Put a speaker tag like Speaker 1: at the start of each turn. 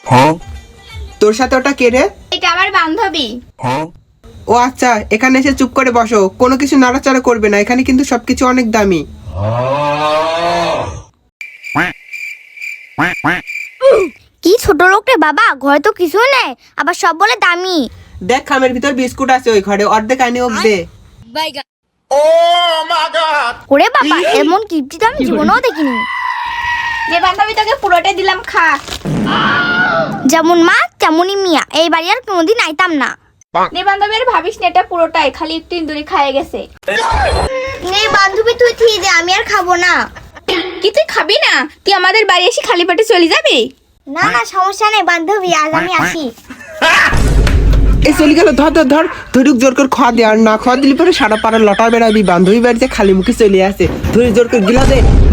Speaker 1: তোর সাথে ওটা কে রে?
Speaker 2: এটা আমার বান্ধবী।
Speaker 1: ও আচ্ছা, এখানে এসে চুপ করে বসো, কোনো কিছু নাড়াচাড়া করবে না, এখানে কিন্তু সবকিছু অনেক দামি।
Speaker 2: কি ছোট লোক রে বাবা, ঘরে তো কিছু নেই আবার সব বলে দামি।
Speaker 1: দেখ খামের ভিতর বিস্কুট আছে ওই ঘরে, অর্ধেক আনি ওক দে।
Speaker 2: ওরে বাবা, এমন কিপটি তো আমি জীবনেও দেখিনি। যে বান্ধবী তোকে পুরোটাই দিলাম, খা। যেমন মা তেমনই মিয়া, এই বাড়ি আর কোনোদিন আইতাম না। নে বান্ধবী, আর ভাবিস না, এটা পুরোটাই খালি একটু ইন্দুরি খাইয়ে গেছে। নে বান্ধবী, তুই খেয়ে দে, আমি আর খাবো না। কি তুই খাবি না? তুই আমাদের বাড়ি এসে খালি পেটে চলে যাবি? না না, সমস্যা নেই বান্ধবী, আজ আমি আসি।
Speaker 1: এই চলে গেল, ধর ধর ধর, ধরুক জোর করে খাওয়া দে, আর না খাওয়া দিলে পরে সারা পাড়া লটা বেড়াবি, বান্ধবী বাড়িতে খালি মুখে চলে আসে, ধরে জোর করে গিলা দে।